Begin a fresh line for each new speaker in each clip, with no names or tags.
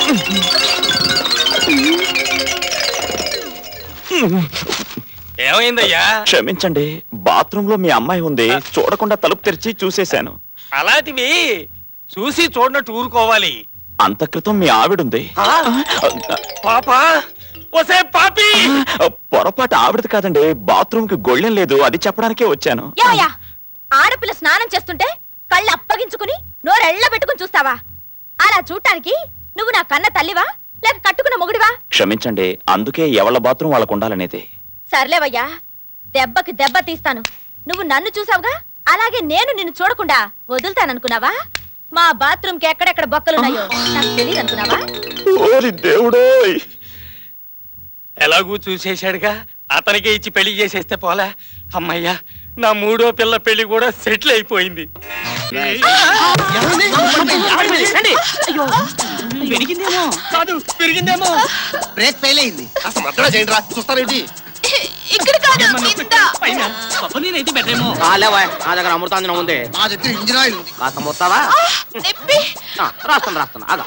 ఏమైందయ్యా?
క్షమించండి, బాత్రూమ్ లో మీ అమ్మాయి ఉంది, చూడకుండా తలుపు తెరిచి చూసేశాను.
అలాంటివి చూసి చూడనట్టు ఊరుకోవాలి.
అంత క్రితం మీ ఆవిడుంది.
పాపా, ఒసే పాపి!
పొరపాటు ఆవిడది కాదండి, బాత్రూమ్ కి గొళ్ళెం లేదు, అది చెప్పడానికే వచ్చాను.
ఆడపిల్ల స్నానం చేస్తుంటే కళ్ళు అప్పగించుకుని నోరెళ్ళ పెట్టుకుని చూస్తావా? అలా చూడటానికి నువ్వు నా కన్న తల్లివా లేక కట్టుకున్న మొగుడివా?
క్షమించండి, అందుకే ఎవళ్ళ బాత్రూమ్ వాళ్ళకు ఉండాలనేది.
సర్లేవయ్యా, దెబ్బకి దెబ్బ తీస్తాను. నువ్వు నన్ను చూసావుగా, అలాగే నేను నిన్ను చూడకుండా వదులుతాననుకున్నావా? మా బాత్రూమ్ కి ఎక్కడెక్కడ బొక్కలున్నాయో నాకు తెలియదు అనుకున్నావా?
ఓరి దేవుడోయ్!
ఎలాగూ చూసేశాడుగా, అతనికే ఇచ్చి పెళ్లి చేసేస్తే పోలా. అమ్మయ్యా, నా మూడో పిల్ల పెళ్లి కూడా సెటిల్ అయిపోయింది. పెరిగిందేమో.
బ్రేక్ ఫెయిల్ అయింది. అసలు మద్దతు చేయండి రా, చూస్తారేంటి?
ఇక్కడ కాదు,
నేనైతే బెటరేమో. నా దగ్గర అమృతాంజనం ఉంది,
నా దగ్గర ఇంజిన్ ఆయిల్ ఉంది.
కాస్త మొత్తావా? రాస్తాను ఆగా.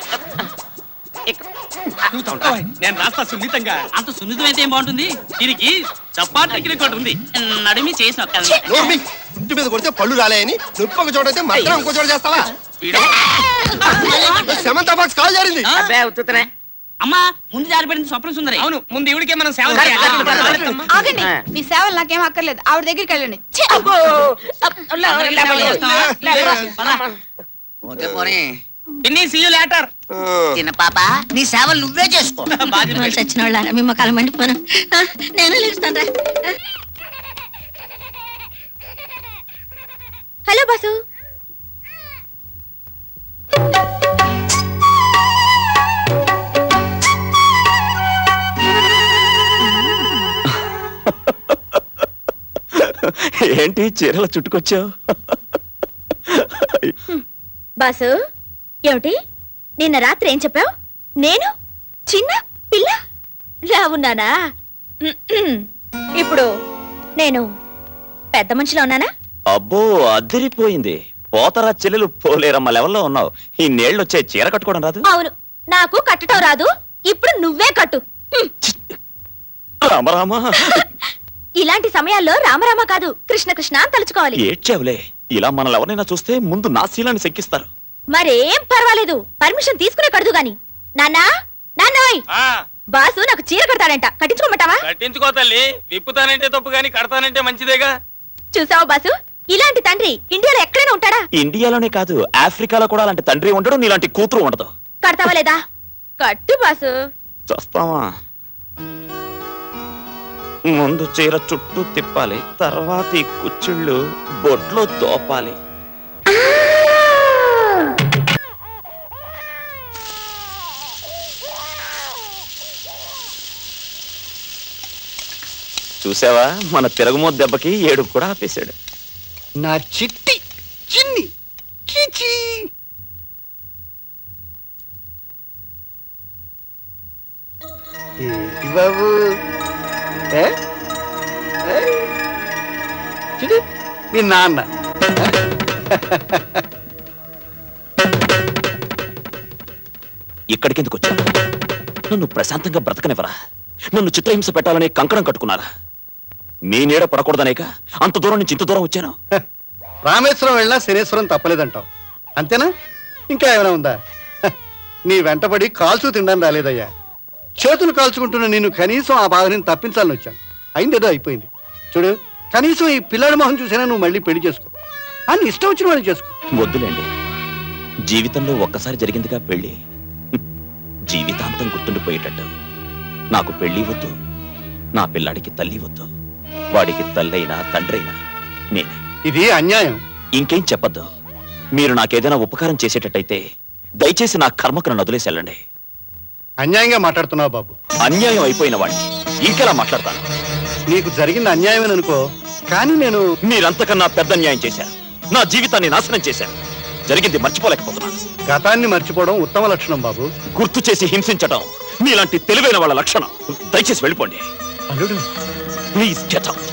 నేను రాస్తా సున్నితంగా.
అంత సున్నితం అయితే ఏం బాగుంటుంది? దీనికి చప్పాటు రికార్డు ఉంది, నడిమి చేసి
నోర్మి, ఇంటి మీద కొడితే పళ్ళు రాలేయని నొప్పి ఒక చోట అయితే మధ్య ఇంకో చోట చేస్తావా? సెమంత బాక్స్ కాల్ జారింది.
ఉత్తుతనే అమ్మా, ముందు జారిపడింది స్వప్న సుందరి.
అవును, ముందు ఇవిడికే మనం సేవ
ఆగండి, మీ సేవలు నాకేం అక్కర్లేదు, ఆవిడ దగ్గరికి వెళ్ళండి.
చిన్న పాప, నీ సేవలు నువ్వే చేసుకో.
చచ్చిన వాళ్ళ మీ మొక్కలు మండిపోను. నేను లేస్తాను. Hello boss.
ఏంటి చీరలు చుట్టుకొచ్చావు?
బాసు, ఏమిటి నిన్న రాత్రి ఏం చెప్పావు? నేను చిన్న పిల్ల ఉన్నానా? ఇప్పుడు నేను పెద్ద మనిషిలో ఉన్నానా?
అబ్బో, అదిరిపోయింది. పోతరా చెల్లెలు పోలేరమ్మ లెవెల్లో ఉన్నావు. ఈ నీళ్ళు వచ్చే చీర కట్టుకోవడం రాదు?
అవును, నాకు కట్టడం రాదు. ఇప్పుడు నువ్వే కట్టు.
రామరామా.
ఇలాంటి సమయాల్లో రామరామ కాదు, కృష్ణ కృష్ణ అని తలుచుకోవాలి.
ఏడ్చావులే, ఇలా మనల్ని ఎవరైనా చూస్తే ముందు నా శీలాన్ని శంకిస్తారు.
మరేం పర్వాలేదు, పర్మిషన్ తీసుకునే కడదు గాని. నాన్నా, నాన్నోయ్, బాసు నాకు చీర కడతాడంట, కట్టించుకోమంటావా?
కట్టించుకో తల్లి, విప్పుతానంటే తప్పు గాని కడతానంటే మంచిదేగా.
చూసావా బాసు, ఇలాంటి తండ్రి ఇండియాలో ఎక్కడైనా ఉంటాడా?
ఇండియాలోనే కాదు, ఆఫ్రికాలో కూడా అలాంటి తండ్రి ఉండడు, నీలాంటి కూతురు ఉండదు.
కడతావా లేదా? కట్టు బాసు.
చూస్తావా? ముందు చీర చుట్టూ తిప్పాలి, తర్వాత ఈ కుచ్చిళ్ళు బొట్లో తోపాలి. చూసావా, మన తిరగమోత్ దెబ్బకి ఏడుపు కూడా ఆపేశాడు.
నా చిట్టి చిన్ని చిచి. ఏంటి బాబు, చూడు మీ నాన్న.
ఇక్కడికి ఎందుకు వచ్చావు? నన్ను ప్రశాంతంగా బ్రతకనివ్వరా? నన్ను చిత్రహింస పెట్టాలనే కంకణం కట్టుకున్నారా? మీ నీడ పడకూడదనేక అంత దూరం నుంచి ఇంత దూరం వచ్చాను.
రామేశ్వరం వెళ్ళినా శనేశ్వరం తప్పలేదంటావు, అంతేనా? ఇంకా ఏమైనా ఉందా? నీ వెంటబడి కాల్చు తినడానికి రాలేదయ్యా. చేతులు కాల్చుకుంటున్న నేను కనీసం ఆ బాధని తప్పించాలని వచ్చాను. అయిందేదో అయిపోయింది. చూడు, కనీసం ఈ పిల్లాడి మొహం చూసినా నువ్వు మళ్ళీ పెళ్లి చేసుకో. అని ఇష్టం వచ్చిన వాళ్ళు చేసుకో.
వద్దులేండి, జీవితంలో ఒక్కసారి జరిగిందిగా పెళ్లి, జీవితాంతం గుర్తుండిపోయేటట్టు. నాకు పెళ్లి వద్దు, నా పిల్లాడికి తల్లి వద్దు. వాడికి తల్లైనా తండ్రైనా నేనే.
ఇది అన్యాయం.
ఇంకేం చెప్పద్దు. మీరు నాకేదైనా ఉపకారం చేసేటట్టయితే దయచేసి నా కర్మకు నన్ను వదిలేసి వెళ్ళండి.
అన్యాయంగా మాట్లాడుతున్నావు బాబు.
అన్యాయం అయిపోయిన వాడిని ఇంకెలా మాట్లాడతాను?
నీకు జరిగింది అన్యాయం అనుకో, కానీ నేను
మీరంతకన్నా పెద్ద అన్యాయం చేశారు. నా జీవితాన్ని నాశనం చేశారు. జరిగింది మర్చిపోలేకపోతున్నాను.
గతాన్ని మర్చిపోవడం ఉత్తమ లక్షణం బాబు.
గుర్తు చేసి హింసించడం మీలాంటి తెలివైన వాళ్ళ లక్షణం. దయచేసి వెళ్ళిపోండి.
అల్లుడు,
ప్లీజ్ గెట్ అవుట్.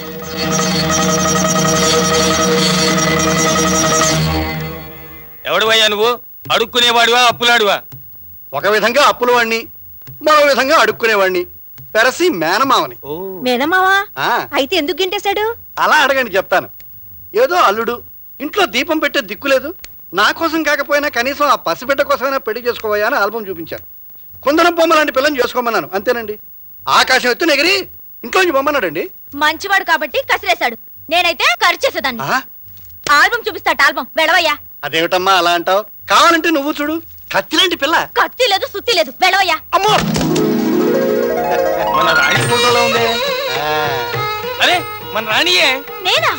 ఎవడువయ్యా నువ్వు? అడుక్కునేవాడివా, అప్పులాడివా?
ఒక విధంగా అప్పుల వాణ్ణి, మరో విధంగా అడుక్కునేవాణ్ణి, పెరసి మేనమావని.
మేనమావా
ఆ,
అయితే ఎందుకు గింటేశాడు?
అలా అడగండి చెప్తాను. ఏదో అల్లుడు, ఇంట్లో దీపం పెట్టే దిక్కులేదు, నా కోసం కాకపోయినా కనీసం ఆ పసిబిడ్డ కోసమైనా పెళ్లి చేసుకోవయ్యా అని ఆల్బం చూపించాను. కుందనం బొమ్మ లాంటి పిల్లని చేసుకోమన్నాను, అంతేనండి. ఆకాశం ఎత్తు ఎగిరి ఇంట్లోంచి బొమ్మన్నాడండి.
మంచివాడు కాబట్టి కసిరేశాడు, నేనైతే ఖర్చు చేసేదాన్ని.
ఆ,
ఆల్బం చూపిస్తాట, ఆల్బం వెళ్ళవయ్యా.
అదేమిటమ్మా అలా అంటావు? కావాలంటే నువ్వు చూడు, కత్తిలాంటి పిల్ల.
కత్తి లేదు, సుత్తి లేదు, వెళ్ళవయ్యా.
అమ్మో!
మన రాణి ఫోటోలో ఉంది.
ఆ,
అరే మన రాణియే.
నేనా?